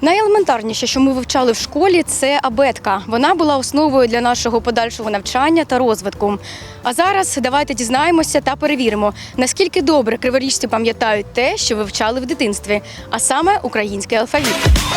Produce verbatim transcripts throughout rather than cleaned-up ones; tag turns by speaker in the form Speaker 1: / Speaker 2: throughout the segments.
Speaker 1: Найелементарніше, що ми вивчали в школі, це абетка. Вона була основою для нашого подальшого навчання та розвитку. А зараз давайте дізнаємося та перевіримо, наскільки добре криворіжці пам'ятають те, що вивчали в дитинстві, а саме український алфавіт.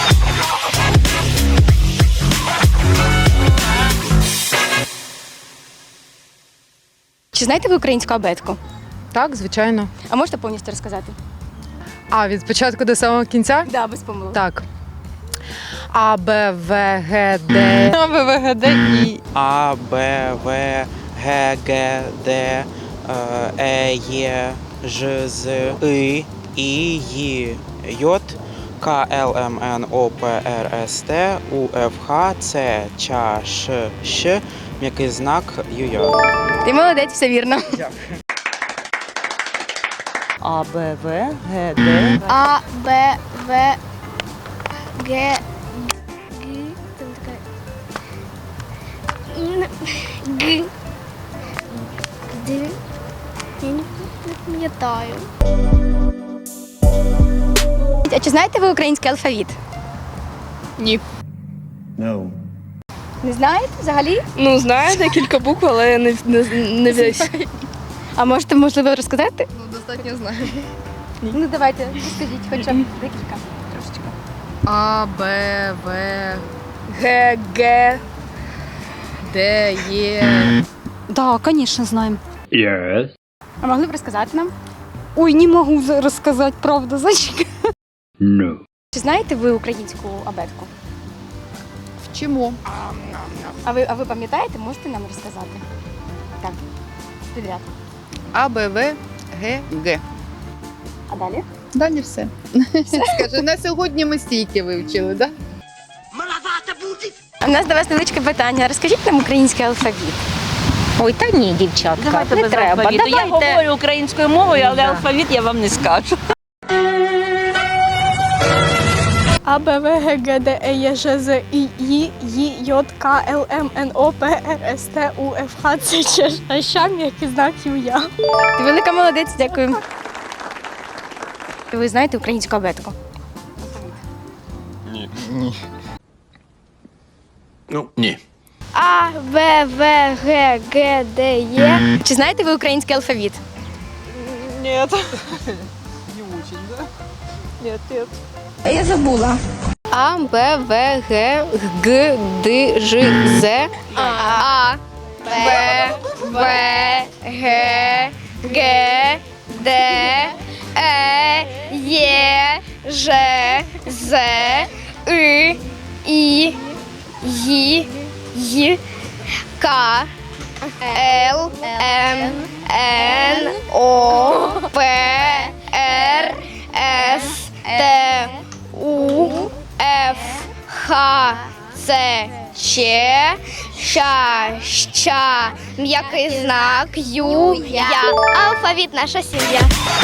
Speaker 1: Чи знаєте ви українську абетку?
Speaker 2: Так, звичайно.
Speaker 1: А можете повністю розказати?
Speaker 2: А, від початку до самого кінця?
Speaker 1: Так, да, без помилок.
Speaker 2: Так. А, Б, В, Г, Д. А, Б, В, Г, Д, І.
Speaker 3: А, Б, В, Г, Г, Д, Е, Є, Ж, З, И, І, Й, Й, К, Л, М, Н, О, П, Р, С, Т, У, Ф, Х, Ц, Ч, Ш, Щ, м'який знак Ю, Й.
Speaker 1: Ти молодець, все вірно.
Speaker 4: А, Б, В, Г, Д.
Speaker 5: А, Б, В, Г, Г, там така, Н, Г, Д, я не пам'ятаю.
Speaker 1: А чи знаєте ви український алфавіт?
Speaker 2: Ні.
Speaker 6: No.
Speaker 1: Не знаєте взагалі?
Speaker 7: Ну, знаю декілька букв, але не, не, не весь.
Speaker 1: А можете, можливо, розказати?
Speaker 2: Ну, достатньо знаю.
Speaker 1: Ну, давайте, розкажіть хоча б декілька, трошечки.
Speaker 2: А, Б, В,
Speaker 7: Г, Г.
Speaker 2: Д, Е.
Speaker 8: Да, конечно, знаем.
Speaker 6: Yes.
Speaker 1: А могли б розказати нам?
Speaker 8: Ой, не могу за- рассказать, правда, зачем?
Speaker 6: No.
Speaker 1: Чи знаєте ви українську абетку?
Speaker 2: Вчимо.
Speaker 1: А ви, а ви пам'ятаєте, можете нам розказати? Так, підряд.
Speaker 2: А, Б, В, Г, Г.
Speaker 1: А далі?
Speaker 2: Далі все. Скажи, на сьогодні ми стільки вивчили, так?
Speaker 1: У нас до вас невеличке питання. Розкажіть нам український алфавіт.
Speaker 4: Ой, та ні, дівчатка,
Speaker 7: Давайте
Speaker 4: не
Speaker 7: без
Speaker 4: треба.
Speaker 7: алфавіту. Я
Speaker 4: Давайте.
Speaker 7: говорю українською мовою, але
Speaker 4: Да.
Speaker 7: алфавіт я вам не скажу.
Speaker 5: А, Б, В, Г, Г, Д, Е, Є, Ж, З, І, Й, Й, Й, К, Л, М, Н, О, П, Р, С, Т, У, Ф, Х, Ц, Ч, Ш, Щ, м'який знак Ю, Я.
Speaker 1: Ти велика молодець, дякую. Ви знаєте українську абетку?
Speaker 6: Ну, ні.
Speaker 5: А, Б, В, Г, Г, Д, Є.
Speaker 1: Чи знаєте ви український алфавіт?
Speaker 7: Ні. Не очень, да? Ні, ні.
Speaker 5: А, Б, В, Г, Г, Д, Ж, З. А, Б, В, Г, Г, Д, Е, Є, Ж, З, И, І, Й, Й, К, Л, М, Н, О, П, Р, С, Т, У, Ф, Х, Ц, Ч, Щ, Щ, м'який знак Ю, Я. Алфавіт наша сім'я.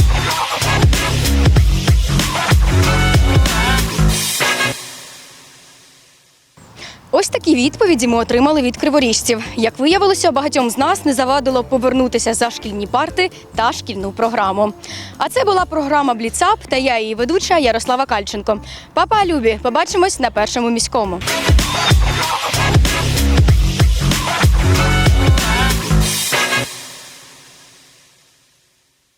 Speaker 1: Ось такі відповіді ми отримали від криворіжців. Як виявилося, багатьом з нас не завадило повернутися за шкільні парти та шкільну програму. А це була програма «Бліцап» та я її ведуча Ярослава Кальченко. Папа, любі, побачимось на Першому міському.